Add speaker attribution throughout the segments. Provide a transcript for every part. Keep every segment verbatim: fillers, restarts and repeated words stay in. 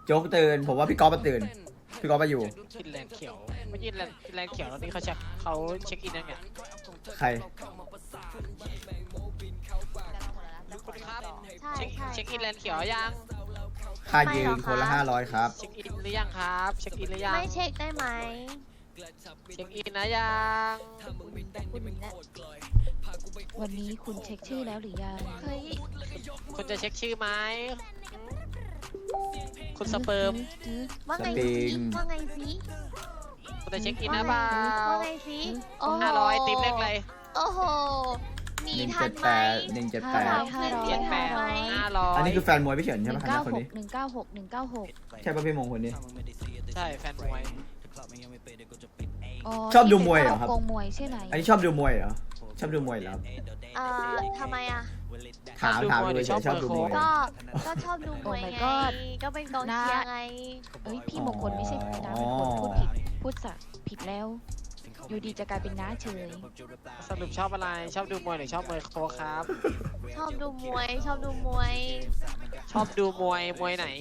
Speaker 1: โจ๊กตื่นผมว่าพี่ก๊อฟมาตื่นพี่ก๊อฟมาอยู่
Speaker 2: กินแลนเขียวไม่กินแลนแลนเขียวตอนนี้เขาเช็คเขาเช็คอินยังไง
Speaker 1: ใคร
Speaker 2: คุณครับ
Speaker 3: ใช่
Speaker 2: เช็ค
Speaker 3: ใช่
Speaker 2: เช็คอินแลนเขียวยัง
Speaker 1: ค่ายืนคนละห้าร้อยครับ
Speaker 2: เช็คอินหรือยังครับเช็คอินหรือยัง
Speaker 3: ไม่เช็คได้ไหม
Speaker 2: เช็คอินนะยัง
Speaker 3: คุณเนี่ย
Speaker 4: วันนี้คุณเช็คชื่อแล้วหรือยัง
Speaker 3: เฮ้ย
Speaker 2: คุณจะเช็คชื่อไหมคุณสเปิร์ม
Speaker 3: ว่าไง
Speaker 1: สปริ
Speaker 3: สิ
Speaker 1: ง
Speaker 3: ว่าไงสิ
Speaker 2: คุณจะเช็คอินนะเปล่า
Speaker 3: ว่าไงสิโอ้โห
Speaker 2: ห้าร้อยติ๊บเลขอะไร
Speaker 3: โอ้โหหนี
Speaker 1: หนึ่ง
Speaker 3: ทั
Speaker 1: เจ็
Speaker 3: น
Speaker 1: ด
Speaker 3: ไห
Speaker 1: แป
Speaker 3: ม
Speaker 1: ดหนึ่งเจ็ดแปด
Speaker 4: ห้าร้อย
Speaker 2: เจ็ดแปด
Speaker 3: ไหม
Speaker 2: ห้าร้อย
Speaker 1: อันนี้คือแฟนมวยพี่เฉิน
Speaker 4: ห
Speaker 1: ใช่ไหม
Speaker 4: นึ่ง
Speaker 1: ค
Speaker 4: เก้า
Speaker 1: ณะคน
Speaker 4: หก
Speaker 1: นี้
Speaker 4: หนึ่งเก้าหกหนึ่งเก้าหก
Speaker 1: ใช่ป่ะพี่มงคนนี้
Speaker 2: ใช่แฟนมวย
Speaker 1: ชอบดูมวยเหรอครับ
Speaker 4: กงมวยใช่ไหม
Speaker 1: อันนี้ชอบดูมวยเหรอชอบดูมวยเหรอครับ
Speaker 3: เอ่อทำไมอ่ะ
Speaker 1: ถามถามดูเฉยๆชอบดูมวย
Speaker 3: ก็ ก็ชอบดูมวยไง ก็เป็นกองเชียร์ไง
Speaker 4: เอ้ยพี่มงคลไม่ใช่น้ามงคลพูดผิดพูดสักผิดแล้ว อยู่ดีจะกลายเป็นน้าเฉย
Speaker 2: สรุปชอบอะไรชอบดูมวยหรือชอบมวยโคครับ
Speaker 3: ชอบดูมวย ชอบดูมวย
Speaker 2: ชอบดูมวยมวยไหน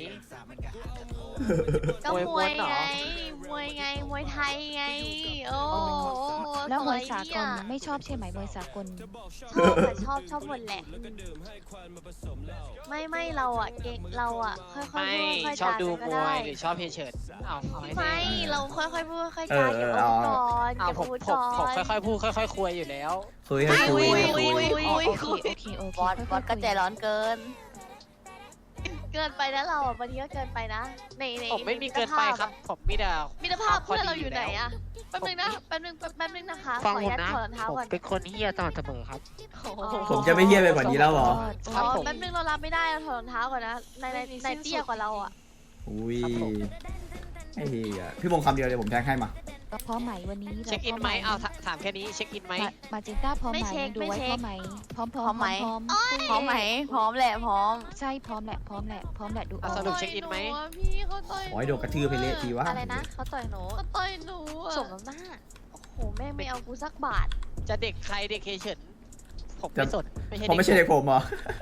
Speaker 3: ก็
Speaker 2: มวย
Speaker 3: ม
Speaker 2: ม้
Speaker 3: ว
Speaker 2: วย นเหรอ
Speaker 3: ไง มวยไง มวยไทยไง โอ้
Speaker 4: แล้วมวย
Speaker 3: ส
Speaker 4: สากลไม่ชอบใช่ไหมมวยสากล
Speaker 3: ชอบค่ะชอบชอบหมดแหละ ไม่ไม่เราอ่ะเก่งเราอ่ะค่อยๆ
Speaker 2: ไม่
Speaker 3: พูดค่อยๆ
Speaker 2: ชอบ
Speaker 3: จา
Speaker 2: ดู
Speaker 3: กัน
Speaker 2: ม
Speaker 3: ก็
Speaker 2: ว
Speaker 3: ได้
Speaker 2: ยหรือชอบเพเฉิดเอาเอาให้
Speaker 3: ไม่
Speaker 2: แน่
Speaker 3: เราค่อยๆพูดค่อยๆ
Speaker 1: เอ
Speaker 3: จา
Speaker 1: อ
Speaker 3: เก็บ
Speaker 1: เอ
Speaker 3: อา
Speaker 1: อ
Speaker 3: วุธก่อน
Speaker 2: เอา
Speaker 3: เก็บ
Speaker 2: ผม
Speaker 3: อาวุธ
Speaker 2: ผม
Speaker 3: ก่อ
Speaker 2: ผม
Speaker 3: น
Speaker 2: ค่อยๆพูดค่อยๆคุยอยู่แล้ว
Speaker 1: คุยให้คุย
Speaker 3: อุ้ย
Speaker 1: ให้คุ
Speaker 3: อุ้ย
Speaker 1: ย
Speaker 3: อุ้ย
Speaker 4: โอเคโอเคโอเค
Speaker 5: บอสบอสก็ใจร้อนเกิน
Speaker 3: เกินไปนะเราอ่ะบางทีก็เกินไปนะในใน
Speaker 2: ผมไม่มีเกินไปครับ ผมมีแต่
Speaker 3: มิตรภาพเพื่อนเราอยู่ไหนอ่ะแป๊บนึงนะแป๊บนึงแป๊บนึงนะคะข
Speaker 2: ฟัง
Speaker 3: ออ
Speaker 2: ผ
Speaker 3: นุ
Speaker 2: ม
Speaker 3: ญาต
Speaker 2: นะ
Speaker 3: ถอดรองเท้า
Speaker 2: ผม
Speaker 3: ก่อน
Speaker 2: เป็นคนเฮียตลอดเสมอครับ
Speaker 3: โอ้โห
Speaker 1: ผมจะไม่เฮี้ยไปกว่านี้แล้วเหรอ
Speaker 2: ครับ
Speaker 3: อ๋อ
Speaker 2: ผม
Speaker 3: แป๊บนึงเรารับไม่ได้เราถอดรองเท้าก่อนนะในในในเตี้ยกว่าเราอ่ะ
Speaker 1: อุ้ย
Speaker 2: ครับผม
Speaker 1: ไอ้เหี้ยพี่มงคำเดียวเลยผมแทงให้มา
Speaker 4: พร้อมไหมวันนี้
Speaker 2: เช็คอินไหมเอาถถามแค่นี้เช็คอินไหม
Speaker 4: มาจินต้าพร้อมไหมดูไว้พร้อมไหมพร้อมพร้อมพร้อม
Speaker 5: พร้อมไหม พร้อมแหละ พร้อม
Speaker 4: ใช่พร้อมแหละพร้อมแหละพร้อมแหละดูอ
Speaker 2: เอา
Speaker 4: อก
Speaker 2: สรุปเช็คอินไหม
Speaker 3: ต่ยนูะพี่เขาต่อย
Speaker 1: ขอให้โดนกระทืบไปเละทีวะ
Speaker 5: อะไรนะเขาต่อยหนู
Speaker 3: เขาต่อยหนูอะ
Speaker 5: สมน้ำหน้า
Speaker 3: โอ้โหแม่งไม่เอากูสักบาท
Speaker 2: จะเด็กใครเด็กเคเฉินผมไม่สนไม่ใช่
Speaker 1: ผมไม่ใช่เด็กผมเหรอ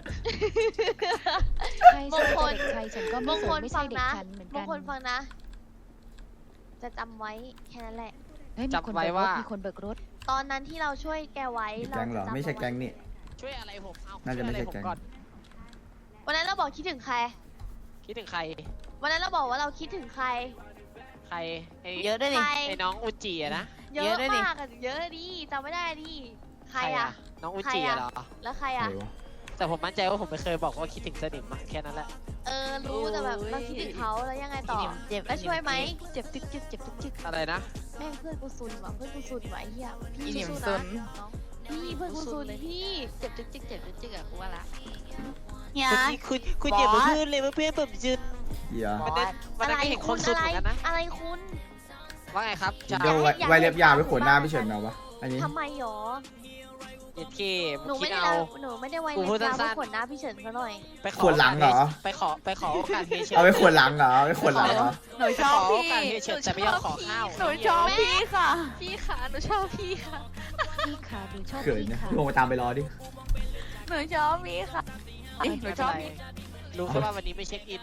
Speaker 4: ใช่ใช่เด็กใครฉันก็
Speaker 3: บา
Speaker 4: ไม่
Speaker 3: ง
Speaker 4: ส
Speaker 3: คน น
Speaker 4: ไม่
Speaker 3: ฟั
Speaker 4: ใช่
Speaker 3: ง
Speaker 4: เด็ก
Speaker 3: นะ
Speaker 4: ฉันเหมือน
Speaker 3: บา
Speaker 4: กั
Speaker 3: ง
Speaker 4: น
Speaker 3: คนฟังนะ จะจำไว้แค่นั้นแหละ
Speaker 4: เฮ้ยมีคนเบิกรถมีคนเบิกรถ
Speaker 3: ตอนนั้นที่เราช่วยแกไว้
Speaker 1: มี
Speaker 3: เรา
Speaker 1: แก๊งเหรอ
Speaker 3: จะจำ
Speaker 1: ไม่ใช่แก๊งนี่
Speaker 2: ช่วยอะไรผมเอา
Speaker 1: น่าจะไม่ใช่
Speaker 2: ช่วยอรผ
Speaker 1: แก๊ง
Speaker 2: ก่อน
Speaker 3: วันนั้นเราบอกคิดถึงใคร
Speaker 2: คิดถึงใคร
Speaker 3: วันนั้นเราบอกว่าเราคิดถึงใคร
Speaker 2: ใครไอ้
Speaker 5: เยอะด้วย
Speaker 3: ใค
Speaker 5: นี่
Speaker 3: ร
Speaker 2: ไอ้น้องอุจิอะนะ
Speaker 3: เยอะ
Speaker 5: เยอะด้วยนี่
Speaker 3: มากอะเยอะดิจำไม่ได้ดิใครอะ
Speaker 2: น้องอุ
Speaker 3: ใคร
Speaker 2: จิ
Speaker 3: อะ
Speaker 2: อะเหรอ
Speaker 3: แล้วใคร
Speaker 1: อะ
Speaker 3: อะ
Speaker 1: ไรวะ
Speaker 2: แต่ผมมั่นใจว่าผมไม่เคยบอกว่าคิดถึงสนิมอะแค่นั้นแหละ
Speaker 3: เออรู้แต่แบบเราคิดถึงเขาแล้วยังไงต่อ
Speaker 5: เจ็บ
Speaker 3: แล้วช่วยไหม
Speaker 5: เจ็บจึ๊กจึ๊กเจ็บจึ๊กจึ๊ก
Speaker 2: อะไรนะ
Speaker 3: แม่งเพื่อนกูซุนว่ะเพื่อนกูซุนว่ะไอ้เหี้ย
Speaker 5: อี
Speaker 3: พี่
Speaker 5: เหนียม
Speaker 3: สู้
Speaker 5: ซุ
Speaker 3: ๆ
Speaker 5: น
Speaker 3: นะพี่เพื่อนกูซุนพี่
Speaker 5: เจ็บจึ๊กจึ๊กเจ็บจึ๊กจึ๊กอะกูว่าละเฮีย
Speaker 2: คุณคุณ
Speaker 5: บอส
Speaker 2: อย่ามาพูดเลยว่าเพื่อนผมจุน
Speaker 1: เหี้ย
Speaker 2: วันนั้นวัน
Speaker 3: อะ
Speaker 2: นั้น
Speaker 3: ไร
Speaker 2: ไม่เห็นค
Speaker 3: คุ
Speaker 2: น
Speaker 3: ณ
Speaker 2: ซุน
Speaker 3: อะไร
Speaker 2: เหมือนกันนะ
Speaker 3: อะไรคุณ
Speaker 2: ว่าไงครับจะ
Speaker 1: เดี๋ยวไว้ไว้เล็บยาวไว้ขนหน้าพี่เฉินเอาปะอันนี้
Speaker 3: ทำไมหรอ
Speaker 2: เอ็ดเค
Speaker 3: หนู
Speaker 2: คิ
Speaker 3: ไม่
Speaker 2: ด
Speaker 3: ได้
Speaker 2: เอา
Speaker 3: หนูไม่ได้ไว้
Speaker 2: กู
Speaker 3: เล็
Speaker 2: พูด
Speaker 3: บยาว
Speaker 2: สั้
Speaker 3: เพื่อน
Speaker 2: ๆ
Speaker 3: ขนหน้าพี่เฉินเขาหน่อย
Speaker 2: ไปขอ
Speaker 1: ขวดหลังเหรอ
Speaker 2: ไปขอไปขอโอกาสเฮเช
Speaker 1: เอาไว้ขวนหลังเหรอเอาไว้ขวนหลังเหรอ
Speaker 5: หนู
Speaker 2: ไป
Speaker 5: ช
Speaker 2: ข
Speaker 5: อ
Speaker 2: อบ โอ
Speaker 5: พี่
Speaker 2: กาสเฮเชแต่ไม่ยอมขอข้าว
Speaker 5: หนูชอบพี่ค่ะ
Speaker 3: พี่ขาหนูชอบพี่ค่ะ
Speaker 4: พี่ขาดูชอบ
Speaker 1: เขิน
Speaker 4: พี่
Speaker 1: นะ
Speaker 4: ขา
Speaker 1: พี่มงไปตามไปรอดิ
Speaker 5: หนูชอบพี่ค่ะ หนูชอบ
Speaker 2: ไม่
Speaker 5: พี่
Speaker 2: เป็นไรรู้แค่ว่าวันนี้ไม่เช็คอิน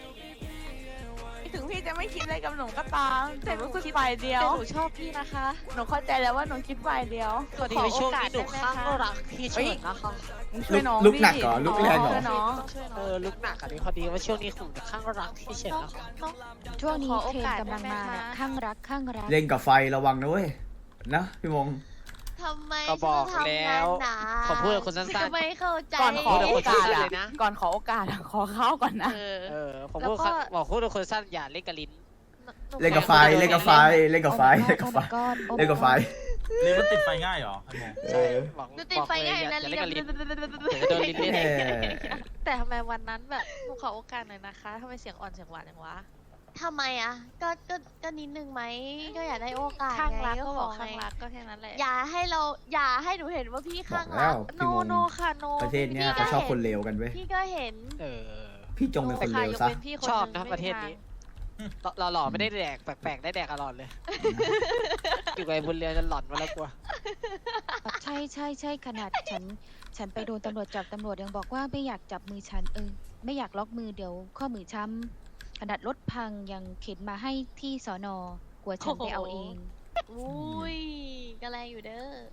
Speaker 5: ถึงพี่จะไม่คิดอะไรกับหนูก็ตามแต่รู้สึกฝ่ายเดียว
Speaker 3: แต่หนูชอบพี่นะคะ
Speaker 5: หนูเข้าใจแล้วว่าหนูคิดฝ่ายเดียว
Speaker 2: พอดีในช่วงนี้หนูข้างรักพี่เฉินนะคะ
Speaker 5: ช่วยน้อง
Speaker 1: ลุกหนัก
Speaker 5: ดิ
Speaker 1: เหรอลุกแรงเหรอ
Speaker 5: ช่วยน้อง
Speaker 3: ต้องช่วยน้
Speaker 2: เอ
Speaker 3: อง
Speaker 2: อลุกหนักอันนี้พอดีว่าช่วงนี้ผมข้างรักพี่เฉิน
Speaker 3: น้อง
Speaker 2: นะคะ
Speaker 3: น้อง
Speaker 4: ช่วงนี้
Speaker 3: ขอโอ
Speaker 4: เทรน
Speaker 3: กาส
Speaker 4: กำลังมา
Speaker 3: ได้ไหม
Speaker 4: น่ะ
Speaker 3: คะ
Speaker 4: ข้างรักข้างรัก
Speaker 1: เล่นกับไฟระวังนะเว้ยนะพี่มง
Speaker 3: ทำไม
Speaker 2: ก็บอก
Speaker 3: ฉัน
Speaker 2: แล้
Speaker 3: ทำงาน
Speaker 2: ว
Speaker 3: หนา
Speaker 2: ผมพูดกับคนสั้น
Speaker 3: ก็ไม่เข้าใจ
Speaker 5: ก่อนขอ
Speaker 2: พูดกับ
Speaker 5: โอ
Speaker 2: คน
Speaker 5: กาส
Speaker 2: สั้น
Speaker 5: อะ
Speaker 2: เลยนะ
Speaker 5: ก่อนขอโอกาสอะขอเข้าก่อนนะ
Speaker 3: เออ
Speaker 2: ๆเออผม
Speaker 3: แล้ว
Speaker 2: พูด
Speaker 3: ก็
Speaker 2: บอกพูดกับคนสั้นอย่าเล่นกับลิ้น
Speaker 3: หนู
Speaker 1: เล่นกับไฟเล่นกับไฟเล่นกับไฟเล่นกับไฟ
Speaker 4: โอ้ my god
Speaker 1: เล่นกับไฟ
Speaker 6: เรียนมันติดไฟง่ายเหรอไอ้โม
Speaker 1: เออ
Speaker 2: บอก
Speaker 3: หนูติดไฟง่าย
Speaker 2: บอกเล
Speaker 3: นะ
Speaker 2: อย่า
Speaker 3: ลิ้
Speaker 2: เล่น
Speaker 3: น
Speaker 2: กับลิ้นเดี๋ยวจะโดนลิ้นเล่น
Speaker 1: แหม
Speaker 7: แต่ทำไมวันนั้นแบบหนูขอโอกาสหน่อยนะคะทำไมเสียงอ่อนเสียงหวานอย่างวะ
Speaker 3: ทำไมอ่ะ ก็ก็ก็นิดนึงไหมก็อยากได้โอกาส
Speaker 7: ข้างรัก
Speaker 3: ไ
Speaker 7: ก็บอก
Speaker 3: ข
Speaker 7: ข้าง
Speaker 3: ไง
Speaker 7: รักก็แค่นั้นแหละ
Speaker 3: อย่าให้เราอย่าให้หนูเห็นว่าพี่
Speaker 1: บอ
Speaker 3: ข้าก ง
Speaker 1: แล้
Speaker 3: รั
Speaker 1: ว
Speaker 3: ก
Speaker 7: โน
Speaker 1: พี่มง
Speaker 7: โนค่ะโน
Speaker 1: ประเทศเนี้ยเขาชอบคนเลวกันเว้ย
Speaker 3: พี่ก็เห็น
Speaker 2: เออ
Speaker 1: พี่จงเป็นคนเล
Speaker 7: ค่ะ
Speaker 1: วย
Speaker 7: ก
Speaker 1: ซะ
Speaker 7: เว้นพี่คน
Speaker 2: ชอบ
Speaker 7: ห
Speaker 2: นะ
Speaker 7: ง
Speaker 2: ประเทศ
Speaker 7: ไม่มี
Speaker 2: นี้เราหล่อไม่ได้แดกแปลกๆได้แดกอร่อยเลย อยู่กับไอ้บุญเรือนจะหลอนมาแล้วกลัว
Speaker 4: ใช่ใช่ใช่ขนาดฉัน ฉันไปโดนตำรวจจับตำรวจยังบอกว่าไม่อยากจับมือฉันเออไม่อยากล็อกมือเดี๋ยวข้อมือช้ำขนาดรถพังยังเข็นมาให้ที่สอนอกลัวฉันไปเอาเอง
Speaker 3: อุ้ยก็แรงอยู่เด้อ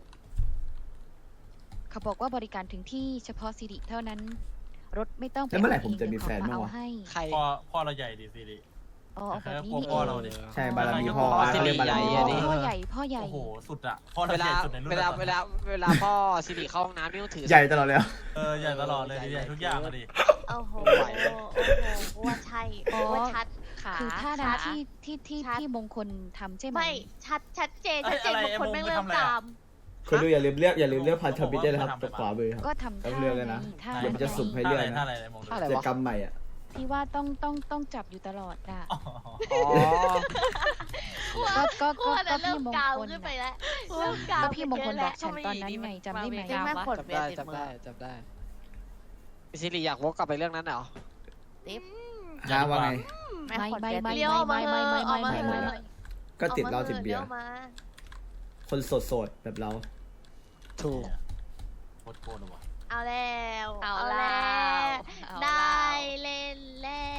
Speaker 4: เขาบอกว่าบริการถึงที่เฉพาะสิริเท่านั้น รถไม่ต้องไป
Speaker 1: แล้วเมื่อไหร่
Speaker 4: า
Speaker 1: ผมจะมี
Speaker 4: เง
Speaker 1: แฟน
Speaker 4: เดี๋ยว
Speaker 1: บ้าง
Speaker 4: เขา
Speaker 1: วะ
Speaker 4: มาเอาให้
Speaker 2: ใคร
Speaker 6: พ่อพ่อเราใหญ่ดิสิริ
Speaker 4: อ๋อเอาแบบนี้
Speaker 6: กลัว
Speaker 4: นี่
Speaker 6: พ่อ
Speaker 4: เอ
Speaker 6: เรา
Speaker 4: ง
Speaker 6: ดิ
Speaker 1: ใช่บารมีพ่อ
Speaker 2: พ่อสิ
Speaker 1: เขา
Speaker 2: ริ
Speaker 1: เรียกบารมี
Speaker 2: ใหญ่
Speaker 1: พ่อ
Speaker 2: อะดิ
Speaker 4: พ่อใหญ่พ่อใหญ่
Speaker 6: โอ้โหสุดอะพ่อ
Speaker 2: เว
Speaker 6: เราให
Speaker 2: ลา
Speaker 6: ญ่สุดในรุ่น
Speaker 2: เวลา
Speaker 6: ตอน
Speaker 2: เว
Speaker 6: นี้
Speaker 2: ลาเวลาพ่อสิริเข้าห้องน้ำนี่ต้องถือ
Speaker 1: ใหญ่ตลอดเลยอะ
Speaker 6: เออใหญ่ตลอดเลยดิใหญ่ทุกอย่างอะดิ
Speaker 3: โอ้โห
Speaker 2: ไม่ไหว
Speaker 3: โอ้โหว่าใช่
Speaker 4: อ๋อ
Speaker 3: ว่าชัด
Speaker 7: ขา
Speaker 4: คือท่า
Speaker 3: ชั
Speaker 4: นา
Speaker 3: ด
Speaker 4: ที่ที่ที่
Speaker 3: ชัด
Speaker 4: ที่มงคลทำใช่ไหม
Speaker 3: ไม่ชัดชัดเจนชัดเจนบางคนแม่งเริ่มตาม
Speaker 1: คุณดูอย่าลืมเลือกอย่าลืมเลือกพันธมิตรด้วยนะครับตรงขวามือครับ
Speaker 4: ก็ทำ
Speaker 1: ต้
Speaker 4: ท่า
Speaker 1: องเลือกเลยนะ
Speaker 4: ไงท่า
Speaker 1: เดี๋ยวมันจะสุ่มให้
Speaker 6: ท่า
Speaker 1: เลือก
Speaker 6: อะไร
Speaker 1: นะ
Speaker 6: ท่าอะไรไอ้มง
Speaker 2: ท่าอะไร
Speaker 1: กิจ
Speaker 2: วะ
Speaker 1: กรรมใหม่อ่ะ
Speaker 4: ที่ว่าต้องต้องต้องจับอยู่ตลอดอ่ะ
Speaker 6: อ๋อ
Speaker 2: อ๋อ
Speaker 4: ก็ก็
Speaker 3: กลั
Speaker 4: ก็
Speaker 3: ว
Speaker 4: ก็
Speaker 3: นะเริ่
Speaker 4: พี่
Speaker 3: ม
Speaker 4: มง
Speaker 3: กาว
Speaker 4: คล
Speaker 3: ขึ้นไป
Speaker 4: น่ะ
Speaker 3: แล้วเริ่มกาว
Speaker 4: ก็พี่มงคลบอก
Speaker 3: ขึ้
Speaker 4: ฉัน
Speaker 3: น
Speaker 4: ตอนนั้นไงจำได้ไหม
Speaker 5: จริงไหมขน
Speaker 2: จำ
Speaker 5: เบีย
Speaker 2: ได้
Speaker 5: ร์ติด
Speaker 2: จำ
Speaker 5: มื
Speaker 2: ได้
Speaker 5: อ
Speaker 2: จำได้สิริอยากวกกลับไปเรื่องนั้นเหรอ
Speaker 1: ฮะว่าไง
Speaker 5: ไม่
Speaker 4: ไม่
Speaker 5: ขน
Speaker 4: ไม่
Speaker 5: เบียร์
Speaker 4: ไม่
Speaker 5: ติด
Speaker 3: เลี้ยวออกมา
Speaker 4: ไม่
Speaker 3: เถ
Speaker 4: ไม่
Speaker 3: อะ
Speaker 4: ไม่
Speaker 3: ออกมา
Speaker 4: ไม่
Speaker 3: เถ
Speaker 4: ไม่
Speaker 3: อะ
Speaker 4: ไม่
Speaker 1: ก็ติดเหล้าติดเบียร์
Speaker 3: ออกมา
Speaker 1: คนโสดๆแบบเรา
Speaker 2: ถูก
Speaker 6: โคตรโคตรเลยว่ะ
Speaker 3: เอาแล้ว
Speaker 7: เอา
Speaker 3: เอา
Speaker 7: แล้
Speaker 3: แล้ว
Speaker 7: เอา
Speaker 3: ได้
Speaker 7: แล้ว
Speaker 3: เล่นแล้ว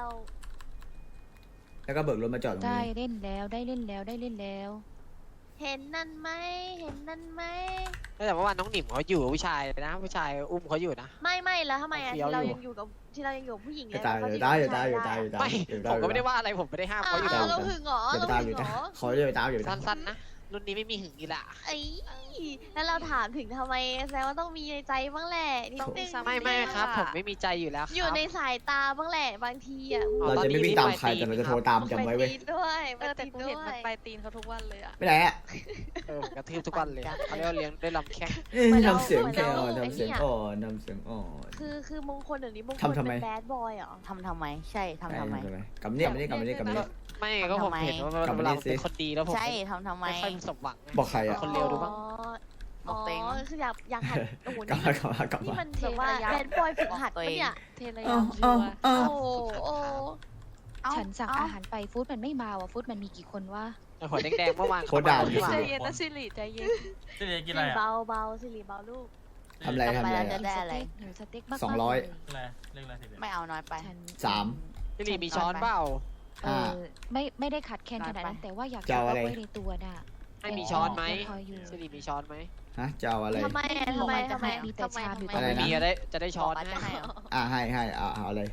Speaker 1: แล้วก็เบิกรถมาจอดตรง
Speaker 4: ได้
Speaker 1: นี้
Speaker 4: เล่นแล้วได้เล่นแล้วได้เล่นแล้ว
Speaker 3: เห็นนั่นไหมเห็นนั่นไหม
Speaker 2: แต่ว่าวันน้องหนิมเขาอยู่กับผู้ชายนะผู้ชายอุ้มเขาอยู่นะ
Speaker 3: ไม่ไม่แล้วทำไมอ่ะ
Speaker 2: เฟี้ยว
Speaker 3: ที่เรา
Speaker 2: อยู่
Speaker 3: ยังอยู่กับที่เรายังอยู่กับผู้หญิง
Speaker 1: จะ
Speaker 3: เลย
Speaker 1: ตาย
Speaker 3: แล้ว
Speaker 1: อยู่
Speaker 3: เขา
Speaker 1: ได้
Speaker 3: จะ
Speaker 1: อยู่ได้อยู่ได้อยู่ได้
Speaker 2: ไม่
Speaker 1: อยู่
Speaker 2: ผมก็ไม่ได้ว่าอะไรผมไม่ได้ห้าม
Speaker 3: อ้าว
Speaker 2: เขาอยู่
Speaker 3: อ้า
Speaker 2: แล้ว ว
Speaker 3: เราหึงเหรอ
Speaker 1: อย่าไป
Speaker 3: เรา
Speaker 1: ตามอ
Speaker 3: หึ
Speaker 1: ยู่
Speaker 3: งเหร
Speaker 1: นะ
Speaker 3: อ
Speaker 1: เขาจะไปตามอยู่นะ
Speaker 2: สั้นๆนะรุ่นนี้ไม่มีหึงอีละ
Speaker 3: ไอ้แล้วเราถามถึงทำไมแสดงว่าต้องมีในใจบ้างแหละนิดนึง
Speaker 2: ไม่ไม่ครับ ผมไม่มีใจอยู่แล้วครับ
Speaker 3: อยู่ในสายตาบ้างแหละบางทีอ่ะ
Speaker 2: อ๋อ
Speaker 1: เราจะไม่วิ่งตามใครแต่เราจะโทรตามจำไว้เว้ย
Speaker 3: ปตีนด้วย
Speaker 7: เออแต่
Speaker 3: ป
Speaker 7: กู
Speaker 3: ตี
Speaker 7: เห็น
Speaker 3: ด้ว
Speaker 7: มัน
Speaker 3: ย
Speaker 7: ไปตีนเขาทุกวันเลยอะ
Speaker 1: ไม่ไหนอ่ะ
Speaker 2: เออกระทืบทุกวันเลยเขาเรียกว่าเลี้ยงด้วยลำแข้ง
Speaker 1: เอ้ยทำเสียงแค่อ่อนทำเสียงอ่อนทำเสียงอ่อน
Speaker 3: คือคือมงคลเดี๋ยวนี้มงคล
Speaker 1: ทำทำไม
Speaker 3: เป็นแบดบอยเหรอ
Speaker 5: ทำทำไม ใช่ทำทำไม
Speaker 1: กำเนี่ยไม่ได้กำเนี่ยกำเนี่ย
Speaker 2: ไม่ก็ผมเห็นว่า
Speaker 1: ทำไม
Speaker 2: เวลาเป็นคนดีแล้วผม
Speaker 5: ใช่ทำทำไม
Speaker 2: ไม่ค่อยสมหวังไง
Speaker 1: บอกใครอ่ะ
Speaker 2: คนเลวดูบ้าง
Speaker 5: บอกตัวเอง
Speaker 3: อ๋อคืออยากอยากหัดโอ้โห
Speaker 1: กลับ
Speaker 3: นี่
Speaker 1: มากลับมากลับ
Speaker 3: นี่
Speaker 1: มา
Speaker 3: มันแบบว่าแบดบอยฝึกหัดปะเนี่ย
Speaker 7: เทระ
Speaker 1: อ้า
Speaker 7: ยาว ชั
Speaker 1: อ้าว
Speaker 7: วร์
Speaker 1: อ้าว
Speaker 3: โอ้โหโอ้
Speaker 5: เอ้า
Speaker 4: ฉันสั่ง
Speaker 5: เ
Speaker 4: อาหารไปฟู้ดมันไม่มาว่ะฟู้ดมันมีกี่คนวะ
Speaker 2: ไอ้หัวแดงๆเมื่อวาน
Speaker 1: โคตรด่า
Speaker 2: ที่
Speaker 7: ใจ
Speaker 2: ว่า
Speaker 7: เย็นนะสิริใจเย็น
Speaker 6: สิริกิน
Speaker 3: สิ
Speaker 6: อะไร
Speaker 3: ริ
Speaker 6: อ่ะ
Speaker 3: เบาเบาสิริเบาลูก
Speaker 1: ทำอะไรทำอะไร
Speaker 5: จะ
Speaker 1: อะ
Speaker 5: ได้อะไร
Speaker 4: หนูสเต็กมากๆ
Speaker 1: สองร้อย
Speaker 4: เล
Speaker 6: เรียกอะไรเรียกอะไรสิริ
Speaker 5: ไม่เอาน้อยไป
Speaker 4: ฉัน
Speaker 1: สาม
Speaker 2: พี่ลีมีช้อนเปล่า
Speaker 4: เออไม่ไม่ได้ขัดแคลนขนาดนั้น แต่ว่าอยาก
Speaker 1: จะเอาอะไร
Speaker 4: ไว้ในตัวน่ะ
Speaker 2: ให้มีช้อนไหม
Speaker 4: พออยู่
Speaker 2: สิริมีช้อนไหม
Speaker 1: ฮะจะเอาอะไร
Speaker 3: ทำไมอะทำไมทำไม
Speaker 4: มีแต่
Speaker 3: ทำไม
Speaker 4: ชามอยู่
Speaker 3: ทำไม
Speaker 1: อะไร
Speaker 2: ไม่
Speaker 1: นะ
Speaker 2: มีจะได้จะได้ช้อน
Speaker 5: บอกว่าจะให้เหรอ
Speaker 1: อ่าให้ให้เอาเอาอะไร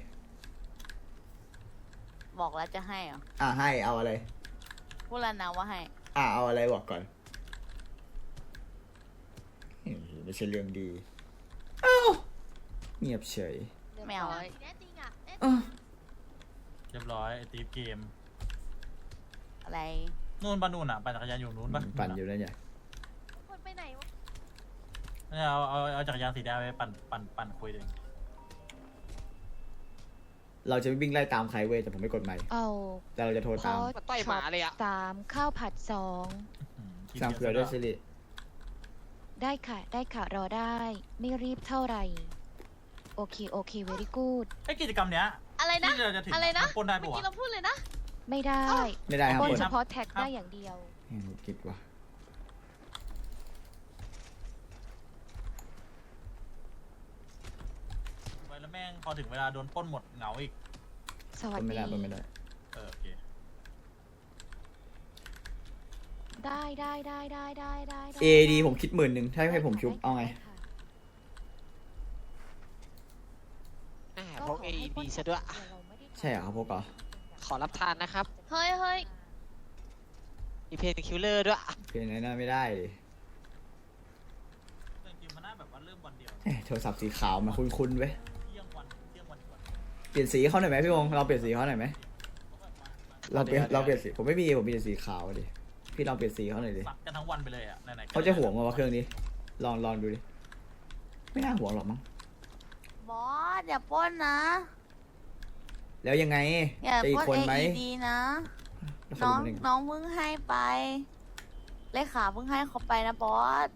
Speaker 5: บอกแล้วจะให้เหรอ
Speaker 1: อ่าให้เอาอะไร
Speaker 5: พูดแล้วนะว่าให้
Speaker 1: อ่าเอาอะไรบอกก่อนเฮ้ยไม่ใช่เรื่องดีเอ้าเงียบเฉย
Speaker 5: ไม่เอา
Speaker 3: แน่จริงอ่ะแน่
Speaker 1: เอ้า
Speaker 6: เรียบร้อยไอตีฟเกม
Speaker 5: อะไร
Speaker 6: นู่นปะนู่นอ่ะปั่นจักรยานอยู่นู้นปะ
Speaker 1: ปั่นอยู่นั่นไง
Speaker 3: คนไปไหนวะ
Speaker 6: เนี่ยเอาเอาเอาจักรยานสีแดงไปปั่นปั่นปั่นคุยเอง
Speaker 1: เราจะไม่วิ่งไล่ตามใครเว้ยแต่ผมไม่กดไมค์
Speaker 4: เอา
Speaker 1: แต่เราจะโทรตาม
Speaker 2: มาต่อยหมาเลยอ่ะ
Speaker 4: สามข้าวผัดสอง
Speaker 6: กิน
Speaker 1: สั่ง
Speaker 6: เยอะ
Speaker 1: เผื่อด้วยสิริ
Speaker 4: ได้ค่ะได้ค่ะรอได้ ไม่รีบเท่าไหร่ โอเคโอเค very good
Speaker 6: ไอกิจกรรมเนี้ย
Speaker 3: อะไรนะ
Speaker 6: ที่เราจะถึง
Speaker 3: อะไรนะ
Speaker 6: ปล้นได้
Speaker 3: เมื่
Speaker 6: ปะ
Speaker 3: อ
Speaker 6: วะ
Speaker 3: กี้เราพูดเลยนะ
Speaker 4: ไม่ได้
Speaker 1: ไม่ได้ครับ
Speaker 4: ปล้น
Speaker 1: คน
Speaker 4: เฉพาะแท็กได้อย่างเดียว
Speaker 1: แหม่คิดว่า
Speaker 6: ไปแล้วแม่งพอถึงเวลาโดนปล้นหมดเหงาอีก
Speaker 4: สวัส
Speaker 1: คนไม่
Speaker 4: ดี
Speaker 1: ได้คนไม่ได้
Speaker 6: เออโอเค
Speaker 4: ได้ได้ได้ได้ได้ได้ได้
Speaker 1: เอดีผมคิดหมื่นหนึ่งถ้าให้ผมชุบเอาไง
Speaker 4: ด้ค่ะ
Speaker 2: อ่าพกเอดีซะด้วย
Speaker 1: ใช่เหรอครับพวกเหรอ
Speaker 2: ขอรับทานนะครับ
Speaker 3: เฮ้ยเฮ้ย
Speaker 2: มีเพนคิลเลอร์ด้วย
Speaker 1: เพลงนั้นน่าไม่ได้ดิ
Speaker 6: จริงๆมันน่าแบบว่าเริ่มวันเดียว
Speaker 1: เอ๊ะโทรศัพท์สีขาวมาคุ้นๆเว้ย
Speaker 6: เที่ยงวันเที่ยงวันก่อน
Speaker 1: เปลี่ยนสีเขาหน่อยไหมพี่วงเราเปลี่ยนสีเขาหน่อยไหมเราเปลี่ยนเราเปลี่ยนสีผมไม่มีผมมีแต่สีขาวดิพี่ลองเปลี่ยนสีเขาหน่อยดิ
Speaker 6: ซักกันทั้งวันไปเลยอ่ะไหนๆก็
Speaker 1: เขาจะห่วงมาวะเครื่องนี้ ลองลองดูดิ ไม่น่าห่วงหรอกมั้ง
Speaker 5: บอสอย่าปล้นนะ
Speaker 1: แล้วยังไง
Speaker 5: อย่า
Speaker 1: จะอี
Speaker 5: ป
Speaker 1: ก
Speaker 5: ล้น
Speaker 1: คน
Speaker 5: เอ
Speaker 1: ไหม
Speaker 5: ดีนะ
Speaker 1: แล้ว
Speaker 5: น้
Speaker 1: เขา
Speaker 5: อง
Speaker 1: รู้ได้ไง
Speaker 5: น้องเพิ่งให้ไป เลขาเพิ่งให้เขาไปนะบอส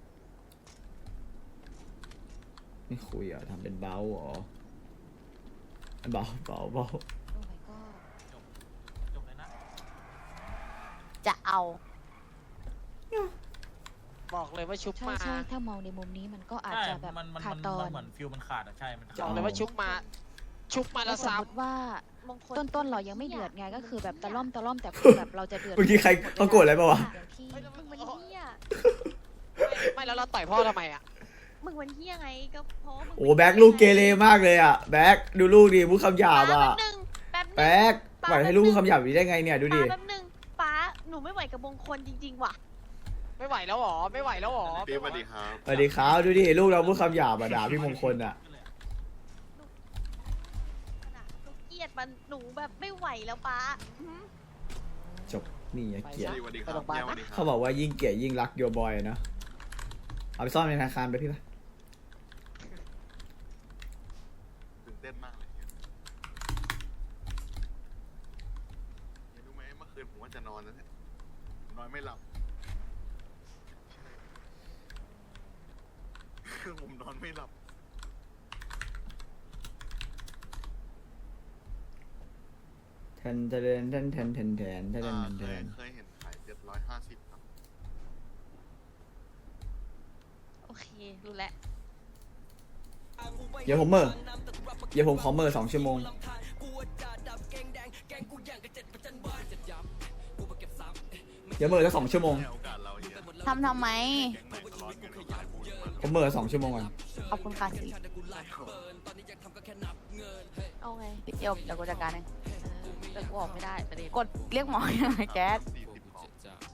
Speaker 1: ไม่คุยเหรอ่ะทำเป็นเบาเหรอเบาเบาเบา
Speaker 4: โอ้ my god
Speaker 6: จบเลยนะ
Speaker 5: จะเอา
Speaker 2: บอกเลยว่าชุบ
Speaker 4: ใช่
Speaker 2: มา
Speaker 4: ใช่ถ้ามองในมุมนี้มันก็อาจ
Speaker 6: ใช่
Speaker 4: จะแบบ
Speaker 6: มันมัน
Speaker 4: ขาด
Speaker 6: มัน
Speaker 4: ตอ
Speaker 6: มัน นเหมือนฟิลมันขาดอ่ะใช่มัน
Speaker 2: บ
Speaker 6: ขา
Speaker 2: อ
Speaker 6: ด
Speaker 2: กเลยว่าชุบมา ชุบมา
Speaker 4: แล้
Speaker 2: แล้ว ว
Speaker 4: สม
Speaker 2: ซ้
Speaker 4: มติว่า
Speaker 3: มงคล
Speaker 4: ต้นต้นๆเรายังไม่เดือดไงก็คือแบบตะล่อมตะล่อมแต่คือแบบเราจะเดือด
Speaker 1: เมื่อกี้ใครเขาโกรธอะไรเปล่าวะ
Speaker 4: อย่างที่
Speaker 3: มึงมันเฮีย
Speaker 2: ไม่แล้วเราต่อยพ่อทำไมอ่ะ
Speaker 3: มึงมันเฮียไงก็เพราะว่ามึง
Speaker 1: โอ้แบ็คลูกเกเรมากเลยอ่ะแบ็คดูลูกดิพูดคำหยาบ
Speaker 3: ป้า
Speaker 1: อ่ะ
Speaker 3: แป๊บนึงแป๊บนึง
Speaker 1: แบ็คปล่อยให้ลูกพูดคำหยาบอย่างนี้ได้ไงเนี่ยดูดิ
Speaker 3: ป้าแป๊บนึงป้าหนูไม่ไหวกับมงคลจริงๆว่ะ
Speaker 2: ไม่ไหวแล้วหรอไม่ไหวแล้วหรอ
Speaker 8: พี่สวัสดีครับ
Speaker 1: สวัสดีครับดูดิลูกเราพูดคำหยาบอ่ะด่าพี่มงคลอ่ะ
Speaker 3: หนูเกลียดมันหนูแบบไม่ไหวแล้วป้าหืม
Speaker 1: จบนี่อย่าเกลียด
Speaker 8: สวัสดีครับแย่สวัสดีครั
Speaker 1: เขาบอกว่ายิ่งเกลียดยิ่งรักโยบอยนะเอาไปซ่อนในธนาคารไปพี่ปะ
Speaker 8: ตื่นเต้นมากเลยเนี่ยเนี่ยรู้ไหมเมื่อคืนผมว่าจะนอนแล้วเนี่ยนอนไม่หลับ ผมนอนไม่หลับ
Speaker 1: แทนแทนแทนแทนแทนแทนแทนแท
Speaker 8: อ่าน เค
Speaker 1: แท
Speaker 8: ย
Speaker 1: น
Speaker 8: เคยเห็นขายเจ็ดร้อยห้าสิบครับ
Speaker 7: โอเค รู้แล้ว
Speaker 1: เดี๋ยวผมเมอร์เดี๋ยวผมขอเมอร์สองชั่วโมงเดี๋ยวเมอร์สักสองชั่วโมง
Speaker 8: ให้โอกาสเราเยอะ
Speaker 5: ทำทำไม
Speaker 8: แก๊งไหนทะเลาะกันก็ขายพูดมา
Speaker 1: ผมเมอร์สองชั่วโมงก่อน
Speaker 5: ขอบคุณค่ะสิ
Speaker 7: เอาไง
Speaker 5: เดี๋ยวเดี๋ยวกูจัดการเอง
Speaker 7: เออแต่กูออกไม่ได้ประเด็น
Speaker 5: กดเรียกหมอยังไงแก๊ส
Speaker 8: สี่สิบของ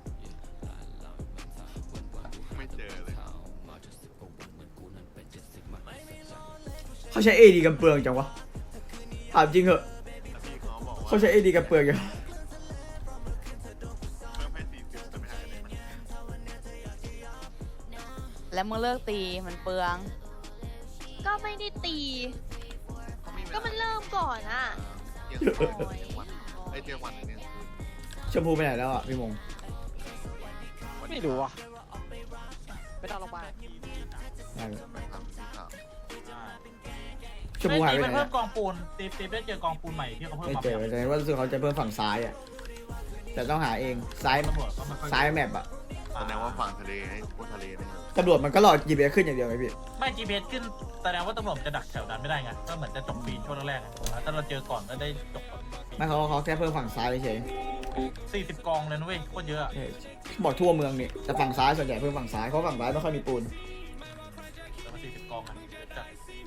Speaker 8: ไม่เจอเลย
Speaker 1: เขาใช้เอดีกันเปลืองจังวะถามจริงเหอะ
Speaker 8: แล้วพี่เขาบอกว่า
Speaker 1: เขาใช้เอดีกันเปลืองจัง
Speaker 8: เพิ่มให้สี่สิบจะไม่หายเลยมัน
Speaker 5: แล้วมึงเลิกตีมันเปลือง
Speaker 3: ก็ไม่ได้ตี
Speaker 8: เขามีเวลา
Speaker 3: ก็มันเริ่มก่อนอ่ะ
Speaker 8: เที่ยงคืนเที่ยงวันไอ้เที่ยงวันเนี่ย
Speaker 1: ชมพูไปไหนแล้วอ่ะพี่มง
Speaker 2: ไม่รู้อ่ะไม่ต้องลงมาล
Speaker 1: ได้ไหม
Speaker 8: ไปทำสีขาว
Speaker 1: ชมพูหายไป
Speaker 6: ตี
Speaker 1: ไหน
Speaker 6: เพิ่
Speaker 1: อะ
Speaker 6: มกองปูนตีตีได้เจอกองปูนใหม่ที่เขาเพิ่ม
Speaker 1: ไม่
Speaker 6: มา
Speaker 1: เจอแต่ว่ารู้สึกเขาจะเพิ่มฝั่งซ้ายอ่ะแต่ต้องหาเองซ้าย
Speaker 6: ตำรวจก็ไม่ค่อย
Speaker 1: ซ้ายแมปอ่ะ
Speaker 8: แสดงว่าฝั่งทะเลให้พวกทะเลนะครับ
Speaker 1: ตำรวจมันก็รอจีบีขึ้นอย่างเดียวไงพี่
Speaker 6: ไม่ จี พี เอส ขึ้นแสดงว่าตำรวจจะดักแถวนั้นไม่ได้ไงก็เหมือนจะจบปีนช่วงแรกๆอะถ้าเราเจอก่อนก็ได้จบ
Speaker 1: ไม่เขาเขาแค่เพิ่มฝั่งซ้ายเฉย
Speaker 6: สี่สิบกองเลยนะเว้ยโคตรเยอะอะ
Speaker 1: เออบอกทั่วเมืองนี่แต่ฝั่งซ้ายส่วนใหญ่เพิ่มฝั่งซ้ายเพราะฝั่งซ้ายไม่ค่อยมีปูน
Speaker 6: แต่มาสี่สิบกองอะจัด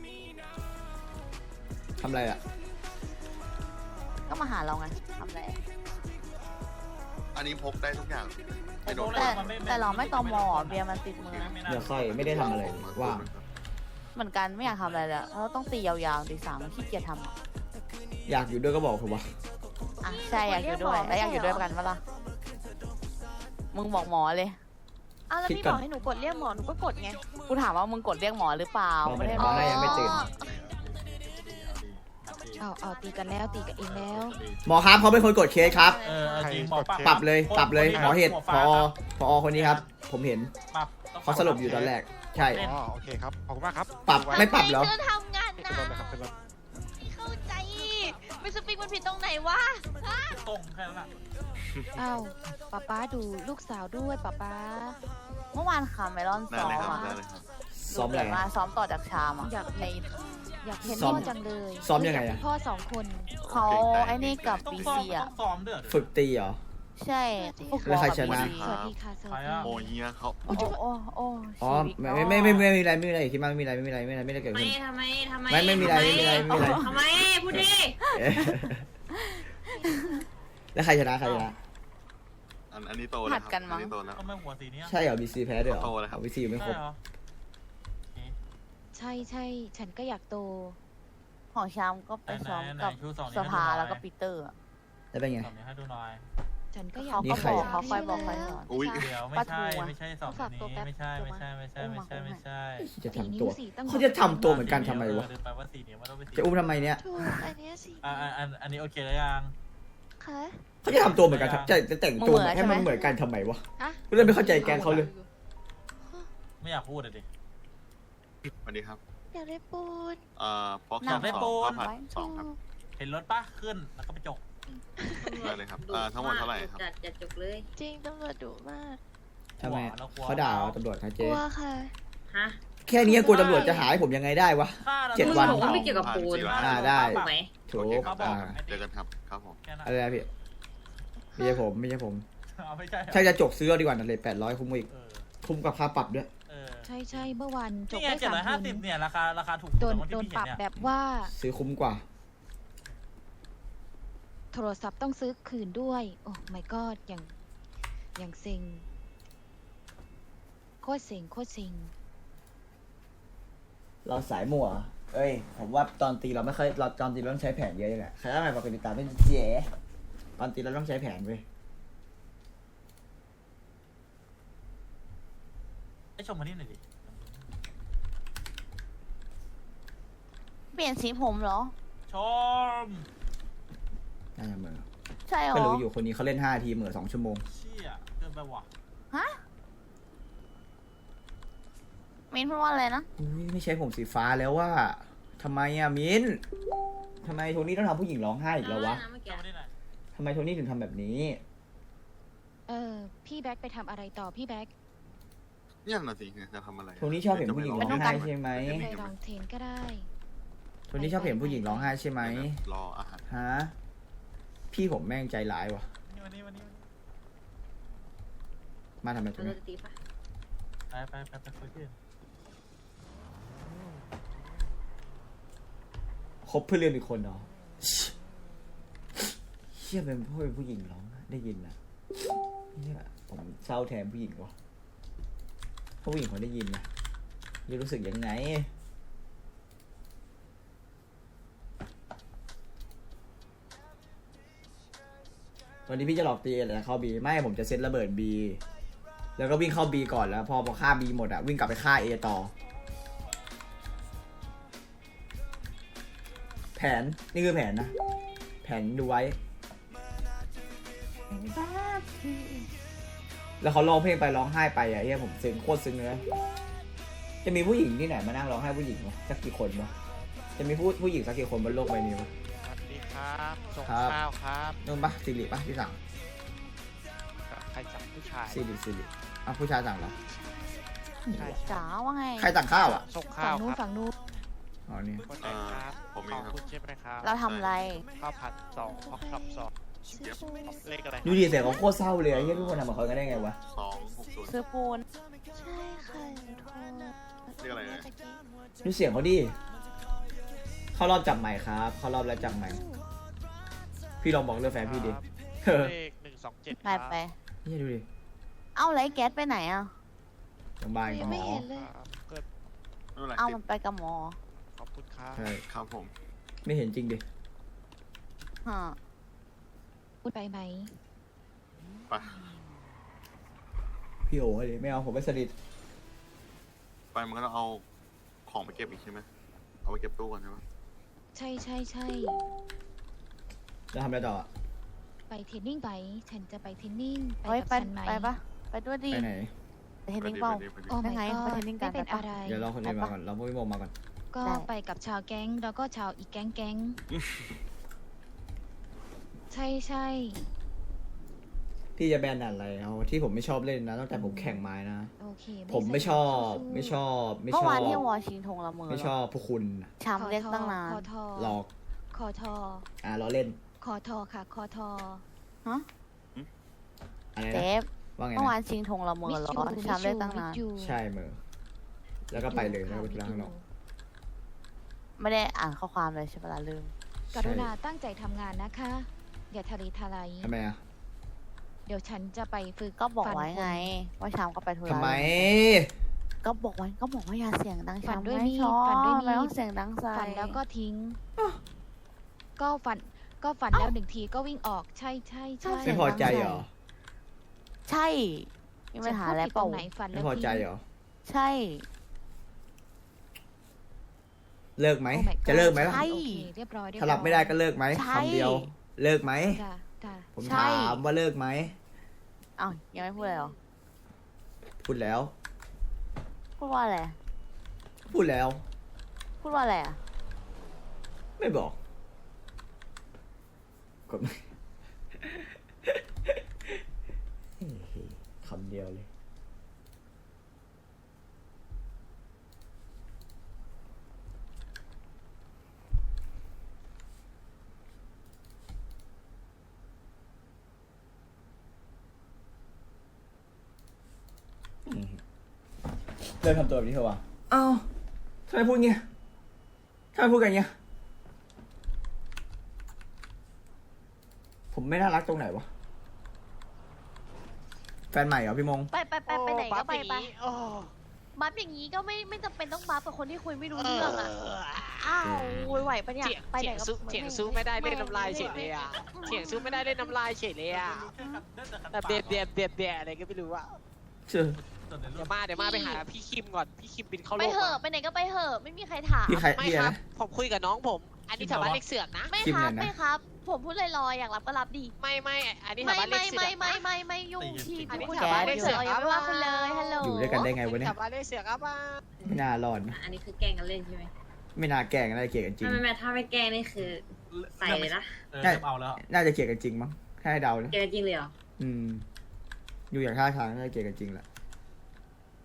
Speaker 1: ทำอะไรอ่ะ
Speaker 5: ก็มาหาเราไงทำอะไร
Speaker 8: อันนี้พกได้ทุกอย่างไม่โดน
Speaker 5: แต่แต่เราไม่ตอมอเบียร์มันติดมือนะ
Speaker 1: เดี๋ยวค่อยไม่ได้ทำอะไรเลยว่าง
Speaker 5: เหมือนกันไม่อยากทำอะไรเลยอะเราต้องตียาวๆตีสามขี้เกียจทำอะ
Speaker 1: อยากอยู่ด้วยก็บอกผมว่า
Speaker 5: อ่ะใช่อยากอยู่ด้วยแล้วอยากอยู่ด้วยกันปะล่ะมึงบอกหมอเลย
Speaker 3: อ้าวแล้วพี่บอกให้หนูกดเรียกหมอหนูก็กดไง
Speaker 5: กูถามว่ามึงกดเรียกหมอหรือเปล่า
Speaker 1: บอก
Speaker 5: ไม่ได้
Speaker 1: หมอให้ยังไม่ตื่น
Speaker 4: เอาเอาตีกันแล้วตีกันเองแล้ว
Speaker 1: หมอครับเขาเป็นคนกดเคสครับ
Speaker 6: เออเอาจริงบอก
Speaker 1: ปรับเลยปรับเลยหมอเหตุ
Speaker 6: หัว
Speaker 1: พ
Speaker 6: ฟ้า
Speaker 1: อพอคนนี้ครับ ผมเห็น
Speaker 6: ปรับต้อง
Speaker 1: เขาสลบอยู่ตอนแรก ใช่
Speaker 9: อ๋อโอเคครับ ขอบคุณมากครับ
Speaker 1: ปรับไม่ปรับเหรอ
Speaker 3: เธอทำงานนะ
Speaker 9: เป็นรถเลยครับเป็นรถ
Speaker 3: ไม่เข้าใจไม่สปริงมันผิดตรงไหนวะ
Speaker 6: ตรงแค่นั้นแหละ
Speaker 4: อ้าวป๊าป๊าดูลูกสาวด้วยป๊าป๊า
Speaker 5: เมื่อวานคาเมลอน
Speaker 8: ได้
Speaker 5: ซ้อ
Speaker 8: เลย
Speaker 5: ม
Speaker 8: ครับ
Speaker 5: อะ
Speaker 8: ได้เลยครับ
Speaker 1: ซ้อมอะไร
Speaker 5: มาซ้อมต่อจากชามอะ
Speaker 4: อยากเห็นอยากเห็น
Speaker 1: ซ้อม
Speaker 4: พ่อจังเลย
Speaker 1: ซ้อมยังไงอะ
Speaker 4: พ่อสองคน
Speaker 5: เขาไอ้นี่กับ
Speaker 6: ต้อง
Speaker 5: บี
Speaker 6: ซ้อม
Speaker 5: ซี
Speaker 6: ต้
Speaker 5: อะ
Speaker 6: องซ้อมด้วยเหรอ
Speaker 1: ฝึกตีเหรอ
Speaker 5: ใช่ฟุตบ
Speaker 1: แล้
Speaker 5: อ
Speaker 1: ว
Speaker 5: ล
Speaker 1: ใคร
Speaker 5: กับ
Speaker 1: ชนะ
Speaker 5: บีซี
Speaker 4: สวัสดีค่ะสวัสดี
Speaker 8: โมเฮียเขา
Speaker 5: โอ้โอ้โอ้
Speaker 1: อ๋อ
Speaker 5: ชีวิต
Speaker 1: ไม่ไม่ไม่ไม่ไม่มีอะไรไม่มีอะไรคิดมากไม่มีอะไรไม่มีอะไรไม่มีอะไรไม่ได้เกิด
Speaker 10: ทำไม
Speaker 1: ขึ้น
Speaker 10: ทำไมทำไม
Speaker 1: ไม่ไม่มีอะไรไม่มีอะไรไม่มีอะไร
Speaker 10: ทำไมพูดดิ
Speaker 1: เอ๊ะแล้วใครชนะใครชนะ
Speaker 8: อันอันนี้โตแล้วครับอันนี้โตแล้ว
Speaker 6: ก็ไม่หัวสีนี้อะ
Speaker 1: ใช่เหรอบีซีแพ้ด้วยเหรอ
Speaker 8: โตแล้วครับ
Speaker 1: บีซีไม่ครบ
Speaker 6: ใช่เหรอ
Speaker 4: ใช่ใช่ฉันก็อยากโต
Speaker 5: ของชามก็ไปซ้อมกับ
Speaker 6: ไหนๆชูสองนิ้
Speaker 5: ส
Speaker 6: วให้ดูหน่อย
Speaker 5: ภาแล้วก็ปีเตอร์อะ
Speaker 1: แล้วเป็นไง
Speaker 6: สองนิ้วให้ดูหน่อย
Speaker 4: ฉันก็อยา
Speaker 5: เขา
Speaker 4: ก
Speaker 1: นี่
Speaker 5: ก็
Speaker 1: ใคร
Speaker 5: บอก
Speaker 1: อะ
Speaker 5: เขาคอยบอกคอยสอน
Speaker 8: อุ้ย
Speaker 6: เดี๋ยวไม่ใช่ไม่ใช่สองนิ้วนี้ไม่ใช่ไม่ใช่ไม่ใช่ไม่ใช่ไม่ใช่
Speaker 1: จะ
Speaker 4: สี่
Speaker 1: ทำ
Speaker 4: นิ้
Speaker 1: ตัว
Speaker 4: วสี่ตั้ง
Speaker 1: เขาจะทำตัวเหมือนกันทำไมวะ
Speaker 6: เออแปลว่าสี่นิ้วมันต้องเป็นสี่
Speaker 1: จะอุ้มทำไมเนี่ย
Speaker 7: ถูกอันเนี้ยสิ
Speaker 6: อ่าอันอันนี้โอเคแล้วยัง
Speaker 7: ค่ะ
Speaker 1: เขาจะทำตัวเหมือนกันจะจะแต่งตัวให้มันเหมือนกันทำไมวะ
Speaker 7: อะ
Speaker 1: กูเลยไม่เข้าใจแกงเขาเลย
Speaker 6: ไม่อยากพูดเลยดิ
Speaker 8: สวัสดีครับ
Speaker 7: อยากได้ปูน
Speaker 8: เอ่อฟอก
Speaker 6: อยากได้
Speaker 8: สอง
Speaker 6: ปูน
Speaker 8: ข้าวผัดสองครับ
Speaker 6: เห็นรถปะขึ้นแล้วก็ไปจก
Speaker 8: ได้เลยครับเอ่อทั้งหมดเท่าไหร่ครับ
Speaker 10: จัดจัดจุกเลย
Speaker 7: จริงตำรวจดุมาก
Speaker 1: ทำไมเขาด่าเราตำรวจเขา
Speaker 7: ก
Speaker 1: เจ๊
Speaker 7: ลัวค่ะ
Speaker 10: ฮะ
Speaker 1: แค่นี้กลัวตำรวจจะหายผมยังไงได้วะ
Speaker 6: ค่า
Speaker 1: เจ็ดวัน
Speaker 9: บอกว่าไม่เกี่ยวกับปูน
Speaker 1: อ่าได้
Speaker 9: ถูกไหม
Speaker 1: ถู
Speaker 8: โอเค
Speaker 1: ก
Speaker 8: ครับ
Speaker 1: อ่า
Speaker 8: เจอกันครับครับผม
Speaker 6: แค่นั้น
Speaker 1: อะไรนะพี่ไม่ใช่ผมไม่ใช่ผม
Speaker 6: เอาไม่ใช่เหรอ
Speaker 1: ใช่จะจกซื้อเอาดีกว่านั่นเลยแปดร้อยคุ้มกว่าอีก
Speaker 6: เออ
Speaker 1: คุ้มกับค่าปรับด้วย
Speaker 6: เออ
Speaker 4: ใช่ใช่เมื่อวานจบ
Speaker 6: นี่ไง
Speaker 4: ได้
Speaker 6: เจ็ด
Speaker 4: สาม
Speaker 6: ร้อยห้า
Speaker 4: ทุ
Speaker 6: สิบ
Speaker 4: น
Speaker 6: เนี่ยราคาราคาถูก
Speaker 4: โดน
Speaker 6: กว่า
Speaker 4: โดน
Speaker 6: ที่พี่
Speaker 4: ปรับ
Speaker 6: เห็น
Speaker 4: แบ
Speaker 6: เนี่ย
Speaker 4: บว่า
Speaker 1: ซื้อคุ้มกว่า
Speaker 4: โทรศัพท์ต้องซื้อคืนด้วย โอ้ my god อย่างอย่างเซ็งโคตรเซ็งโคตรเซ็ง
Speaker 1: เราสายมั่วเอ้ย ผมว่าตอนตีเราไม่ค่อยเราตอนตีเราต้องใช้แผนเยอะยังไงใครได้ไหมปกติตามเป็นเจ๊ตอนตีเราต้องใช้แผนเว้ย
Speaker 6: ให้ชมมานี่หน่อยดิ
Speaker 5: เปลี่ยนสีผมเหรอ
Speaker 6: ชม
Speaker 1: น่าจะเหมือ
Speaker 5: ใช่เหร
Speaker 1: ก็
Speaker 5: อ
Speaker 1: รู้อยู่คนนี้เขาเล่นห้าทีเหมือสองชั่วโมง
Speaker 6: เชี่ยเกินไปว่ะ
Speaker 5: ฮะมินพูดว่าอะไรนะ
Speaker 1: อุ้ยไม่ใช่ผมสีฟ้าแล้วว่าทำไมอะมิ้นทำไมโทนี่ต้องทำผู้หญิงร้องไห้อีกแล้ววะ
Speaker 6: ชมมานี่หน่อย
Speaker 1: ทำไมโทนี่ถึงทำแบบนี้
Speaker 4: เออ พี่แบ็คไปทำอะไรต่อพี่แบ็ค
Speaker 8: เนี่ยน่ะสิจะทำอะไร
Speaker 1: โทนี่ชอบเห็นผู้หญิงร้องไห้ใช่ไหม
Speaker 4: ไปลองเทรนก็ได้
Speaker 1: โทนี่ชอบเห็นผู้หญิงร้องไห้ใช่ไหม
Speaker 8: รออาหาร
Speaker 1: ฮะพี่ผมแม่งใจร้ายวะ
Speaker 6: นี่วันนี้วันนี้วันนี้
Speaker 1: มาทำไมตรง
Speaker 9: เรา
Speaker 1: นี้
Speaker 9: จะตีปะ
Speaker 6: ไปไปไปไปคุยกัน
Speaker 1: คบเพื่อนเรียนอีกคนเนาะเชี่ยเป็นพ่อเป็นผู้หญิงร้องไห้ได้ยินนะเนี่ยผมเศร้าแทนผู้หญิงวะเพราะผู้หญิงเขาได้ยินนะจะรู้สึกยังไง วันนี้พี่จะหลอกตีอะไรเข้าบีไม่ผมจะเซตระเบิดบีแล้วก็วิ่งเข้าบีก่อนแล้ว พอพอฆ่าบีหมดอะวิ่งกลับไปฆ่าเอต่อ แผนนี่คือแผนนะ แผนดูไว้ แล้วเขาร้องเพลงไปร้องไห้ไปอะเฮียผมซึ้งโคตรซึ้งเลยจะมีผู้หญิงที่ไหนมานั่งร้องไห้ผู้หญิงวะสักกี่คนวะจะมีผู้ผู้หญิงสักกี่คนบนโลกใบนี้วะ
Speaker 2: สวัสดีครับส่ง
Speaker 1: ครับ
Speaker 2: ข้าวครับ
Speaker 1: นู่นปะสิริปะที่สั่ง
Speaker 2: ใครจับผู้ชาย
Speaker 1: สิริสิริอ่ะผู้ชายสั่งเหรอ
Speaker 2: ใช่
Speaker 5: จ๋าว่าไง
Speaker 1: ใครสั่งข้าวอ่ะ
Speaker 2: ส่ง
Speaker 4: ฝั่
Speaker 2: ข้าง ว
Speaker 4: นู้น
Speaker 2: ครับ
Speaker 4: ฝั่งนู้น
Speaker 1: อ๋อนี่
Speaker 2: คนไหนครับ
Speaker 8: ผมเอ
Speaker 2: ของ
Speaker 8: ครับ
Speaker 2: คุณใช่ไหมครับ
Speaker 5: เราทำอะไร
Speaker 2: ข้าวผัดสองพอกช็อปสอง
Speaker 8: เดี๋ยว
Speaker 2: เลขอะไร
Speaker 1: ดูดิเสียงเขาโคตรเศร้าเลยไอ้เฮียทุกคนทำกับเขากันได้ไงวะ
Speaker 8: สองหกศูนย์
Speaker 5: ซื้อปูน
Speaker 3: ใช่ค่ะหนูโทร
Speaker 8: เรียกอะไรเลย
Speaker 3: ตะกี้
Speaker 1: ดูเสียงเขาดิเข้ารอบจับใหม่ครับเข้ารอบแล้วจับใหม่ พี่ลองบอกเรื่องแฟนพี่ดิเออ
Speaker 2: เลขหนึ่งสองเจ็ด
Speaker 5: ไปไป
Speaker 1: เฮียดูดิ
Speaker 5: เอ้าไรแก๊สไปไหนอ่ะ
Speaker 1: โรงพยาบาล
Speaker 3: ยั
Speaker 1: กับ
Speaker 3: ง
Speaker 1: หม
Speaker 3: ไม่
Speaker 1: อ
Speaker 3: เห็นเลย
Speaker 2: เกิด
Speaker 8: ไม่เป็นไร
Speaker 5: เอ้า
Speaker 8: ติ
Speaker 5: มั
Speaker 8: ด
Speaker 5: นไปกับหมอ
Speaker 2: ขอบคุณครับ
Speaker 1: ใช่
Speaker 8: ครับผม
Speaker 1: ไม่เห็นจริงดิ
Speaker 5: ฮะ
Speaker 4: พูดไปไหม
Speaker 8: ไป
Speaker 1: พี่โอ้ยไม่เอาผมไม่สนิท
Speaker 8: ไปมันก็ต้องเอาของไปเก็บอีกใช่ไหมเอาไปเก็บตู้ก่อนใช่ไหม
Speaker 4: ใช่ใช่ใช่
Speaker 1: แล้วทำอะไรต่ออะ
Speaker 4: ไปเทรนนิ่งไป ฉันจะไปเทรนนิ่งไป
Speaker 5: เฮ้ย
Speaker 4: กับ
Speaker 5: ไป
Speaker 4: ฉันไหม
Speaker 5: ไปปะไปด้วยดิ
Speaker 1: ไปไหน
Speaker 5: ไปเทรนนิ่งเปล่า
Speaker 8: ไปดิไปดิ
Speaker 4: โอ้
Speaker 5: ได้
Speaker 4: my
Speaker 5: ไง
Speaker 4: god
Speaker 5: ไปเทรนนิ่งกัน
Speaker 4: ไม่เป็น
Speaker 5: ไปปะ
Speaker 4: อะไร
Speaker 1: เดี๋ยวรอคนอื่นมาก่อนเราพวกพี่โมมาก่อน
Speaker 4: ก็
Speaker 5: ได้
Speaker 4: ไปกับชาวแก๊งแล้วก็ชาวอีกแก๊งแก๊งใช่ใช่
Speaker 1: พี่จะแบนอะไรเอาที่ผมไม่ชอบเล่นนะตั้งแต่ผมแข่งไม้นะ
Speaker 4: โอเค
Speaker 1: ผมไม่ชอบ
Speaker 4: สู้
Speaker 1: ไม่ชอบ ไม่
Speaker 5: เมื่
Speaker 1: ช
Speaker 5: อ
Speaker 1: อ
Speaker 5: วาน
Speaker 1: บ
Speaker 5: ที่วอชิงทงละเมอ
Speaker 1: ไม่ชอบพวกคุณน่ะ
Speaker 5: ช้ำเรียกตั้งนาน
Speaker 4: คอทอ
Speaker 1: หลอก
Speaker 4: คอทอ
Speaker 1: อ่าล้อเล่น
Speaker 4: คอทอค่ะคอทอ
Speaker 5: ฮะ
Speaker 1: อะไร
Speaker 5: เจ
Speaker 1: นะ
Speaker 5: ฟ
Speaker 1: ว่าไง
Speaker 5: เมื่อวา
Speaker 1: นะ
Speaker 5: นชิงทงละเมอเหรอ
Speaker 4: Miss you
Speaker 5: ช้ำเรียกตั้ง
Speaker 4: Miss
Speaker 5: นาน
Speaker 4: you
Speaker 1: ใช่เมอแล้วก็ไปเลยแล้วก็ไป
Speaker 4: Miss you
Speaker 1: ล้างหรอก
Speaker 5: ไม่ได้อ่านข้อความเลยใช่ปะล่ะลืม
Speaker 4: กรุณาตั้งใจทำงานนะคะ อย่าทะเลทลาย
Speaker 1: ทำไมอ่ะ
Speaker 4: เดี๋ยวฉันจะไปฝึก
Speaker 5: ก็บอก
Speaker 4: ฟัน
Speaker 5: ไว้ไง
Speaker 4: คน
Speaker 5: ว่าช้ำก็ไปธุระ
Speaker 1: ทำไม
Speaker 5: ก็บอกไว้ก็บอกว่าอย่าเสียงดัง
Speaker 4: ฝัน
Speaker 5: ช้ำ
Speaker 4: ด้วย
Speaker 5: ไม่
Speaker 4: มีด
Speaker 5: ชอบ
Speaker 4: ฝันด้วยมีด
Speaker 5: ไม่ต้องเสียงดังใส่
Speaker 4: ฝันแล้วก็ทิ้ง ก็ฝันก็ฝันแล้วหนึ่งทีก็วิ่งออกใช่ใช่ใช่
Speaker 1: ไม่พอใจเหรอ
Speaker 5: ใช่มีปัญหาอะไร
Speaker 4: ฉันพูดผิด
Speaker 5: เป
Speaker 4: ตร
Speaker 5: ล่าง
Speaker 4: ไหนฝัน
Speaker 1: ไม่
Speaker 4: แล้ว
Speaker 1: พอใจ
Speaker 4: ทิ้ง
Speaker 1: เหรอ
Speaker 5: ใช่
Speaker 1: เลิกไหม
Speaker 4: Oh my god
Speaker 1: จะเลิกไหมล่ะ
Speaker 5: ใช่
Speaker 4: โอเคเรียบร้อยเรียบ
Speaker 1: ถ้า
Speaker 4: ร้อย
Speaker 1: รับไม่ได้ก็เลิกไหม
Speaker 5: ใช่
Speaker 1: คำเดียว เลิกไหม
Speaker 4: จ้ะจ้ะ
Speaker 1: ผม
Speaker 5: ใช่
Speaker 1: ถามว่าเลิกไหม
Speaker 5: เอ้ายังไม่พูดเลยเหรอ
Speaker 1: พูดแล้ว
Speaker 5: พูดว่าอะไร
Speaker 1: พูดแล้ว
Speaker 5: พูดว่าอะไรอ่ะ
Speaker 1: ไม่บอกกดไม่ เฮ้ยคำเดียวเลยเลยทำตัวแบบนี้เถอะวะเอ้าทำไมพูดเงี้ยทำไมพูดกันเงี้ยผมไม่น่ารักตรงไหนวะแฟนใหม่เหรอพี่มง
Speaker 3: ไปไปไปไปไหนก็ไปไป
Speaker 2: โอ้
Speaker 3: บัฟอย่างนี้ก็ไม่ไม่จำเป็นต้องบัฟกับคนที่คุยไม่รู้เรื่องอ่ะอ้าวโวยไหวปะเนี่ย
Speaker 2: เถียง
Speaker 3: ไปไหน
Speaker 2: เถียง
Speaker 3: ก็
Speaker 2: สู้เถียงสู้ไม่ได้เล่นน้ำลายเฉยเลยอ่ะเถียงสู้ไม่ได้เล่นน้ำลายเฉยเลยอ่ะแต่เบียดเบียดเบียดเบียดอะไรก็ไม่รู้อ่ะ
Speaker 1: เชื่อ
Speaker 2: เดี๋ยวมาเดี๋ยวมาไปหาพี่คิมก่อนพี่คิมบินเข้าโล
Speaker 3: ไป
Speaker 2: ก
Speaker 3: เหอะ
Speaker 2: มา
Speaker 3: ไปไหนก็ไปเหอะไม่มีใครถาม
Speaker 1: พี่ใคร
Speaker 2: ไม่
Speaker 1: พี่
Speaker 2: ค
Speaker 1: อะไร
Speaker 2: รับ
Speaker 1: นะ
Speaker 2: ผมคุยกับน้องผม อันนี้ชาวบ้านเรียกเสือกนะ
Speaker 3: ไม่
Speaker 1: คิม
Speaker 3: ครับ
Speaker 1: เนี่ยนะ
Speaker 3: ไม่ครับ ผมพูดลอยๆอยากรับก็รับดี
Speaker 2: ไม่ไม่อันนี้
Speaker 3: ไม่
Speaker 2: ชาวบ้านเรีย
Speaker 3: ไม่
Speaker 2: กเสือ
Speaker 3: ไม่
Speaker 2: ก
Speaker 3: ไม่
Speaker 2: นะ
Speaker 3: ไม่ไม่ยุ่งพี่
Speaker 2: อันนี้
Speaker 3: พูด
Speaker 2: ชาวบ้าน
Speaker 3: กับ
Speaker 2: เรียกเสื
Speaker 3: เสื
Speaker 2: อ
Speaker 3: อก ยังไม่ว่าคุณเลยฮัลโหล
Speaker 1: อยู่ด้วยกันได้ไงวะเนี่ย
Speaker 2: ชาวบ้านเรียกเสือกครับว่า
Speaker 1: ไม่น่ารอดนะ
Speaker 9: อันนี้คือแกล้งกันเล่นใช่ไหม
Speaker 1: ไม่น่าแกล้งน่าจะเกลียดกันจริง
Speaker 9: ไม่ไม่ไม่ถ้าไม่แกล้งนี่คือใส่เลยนะ
Speaker 6: เออเริ่มเอาแล้ว
Speaker 1: น่าจะเกลียดกันจริงมั้งถ้าให้เดานะ
Speaker 9: แกล้งจริงเลยเหรอ
Speaker 1: อืมอยู่อย่างท่าทางน่าจะเกลียดกันจริงแหละ